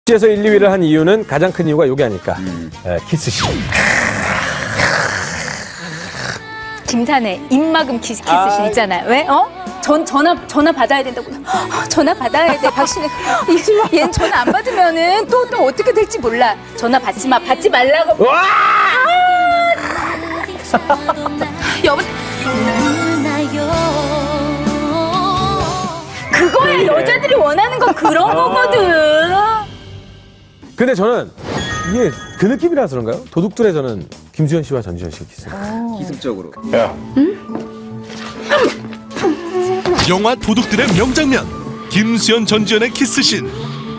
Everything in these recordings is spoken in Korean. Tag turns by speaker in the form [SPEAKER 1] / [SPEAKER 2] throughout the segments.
[SPEAKER 1] 에서 1, 2위를 한 이유는 가장 큰 이유가 요게 아닐까. 키스씬.
[SPEAKER 2] 김산의 입막음 키스씬 있잖아요. 왜? 전화 받아야 된다고. 전화 받아야 돼. 박신혜. 얘는 전화 안 받으면은 또 어떻게 될지 몰라. 전화 받지 마. 받지 말라고.
[SPEAKER 1] 와!
[SPEAKER 2] 여보. 그거야. 여자들이 원하는 건 그런 거거든.
[SPEAKER 1] 근데 저는 이게 그 느낌이라서 그런가요? 도둑들의 저는 김수현 씨와 전지현 씨가 키스해요.
[SPEAKER 3] 기습적으로.
[SPEAKER 1] 야.
[SPEAKER 4] 영화 도둑들의 명장면 김수현 전지현의 키스씬.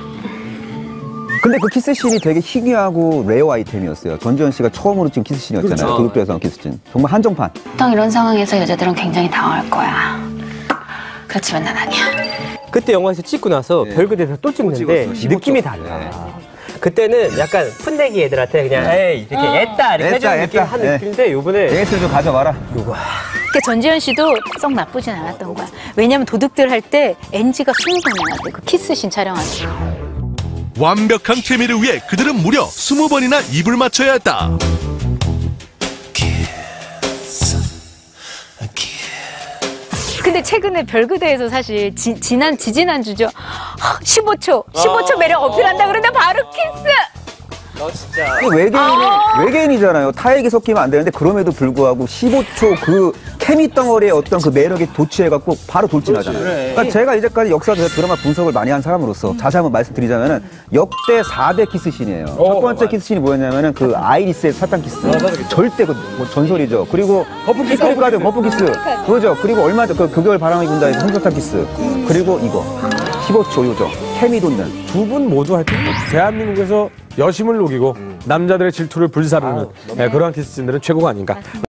[SPEAKER 3] 근데 그 키스씬이 되게 희귀하고 레어 아이템이었어요. 전지현 씨가 처음으로 찍은 키스씬이었잖아요.
[SPEAKER 1] 그렇죠.
[SPEAKER 3] 도둑들에서 나온 키스씬. 정말 한정판.
[SPEAKER 5] 보통 이런 상황에서 여자들은 굉장히 당황할 거야. 그렇지만 난 아니야.
[SPEAKER 6] 그때 영화에서 찍고 나서 별그대에서 또 찍는데 느낌이 달라. 그때는 약간 푼내기 애들한테 그냥 에이 이렇게 애따 이렇게 해주는 느낌 한 느낌인데 요번에
[SPEAKER 3] AS를 좀 가져와라.
[SPEAKER 1] 요거.
[SPEAKER 2] 그 전지현 씨도 썩 나쁘진 않았던 거야. 왜냐면 도둑들 할 때 NG가 20번 나왔대. 그 키스씬 촬영할 때.
[SPEAKER 4] 완벽한 케미를 위해 그들은 무려 20번이나 입을 맞춰야 했다.
[SPEAKER 2] 근데 최근에 별그대에서 사실 지지난주죠. 15초 매력 어필한다 그러는데 바로 키스.
[SPEAKER 6] 너 진짜
[SPEAKER 3] 외계인이잖아요. 타액이 섞이면 안 되는데 그럼에도 불구하고 15초 그 케미 덩어리의 어떤 그 매력에 도취해갖고 바로 돌진하잖아요. 그러니까 제가 이제까지 역사에서 드라마 분석을 많이 한 사람으로서 다시 한번 말씀드리자면은 역대 4대 키스씬이에요. 첫 번째 키스씬이 뭐였냐면은 그 아이리스의 사탕 키스. 절대 그 뭐 전설이죠. 그리고 버프 키스. 그거죠. 그리고 얼마 전 그 그걸 바람이 분다에서 솜사탕 키스. 그리고 이거 15초 요정 케미 돋는.
[SPEAKER 1] 두 분 모두 하여튼 대한민국에서 여심을 녹이고 남자들의 질투를 불사르는 그러한 키스씬들은 최고가 아닌가.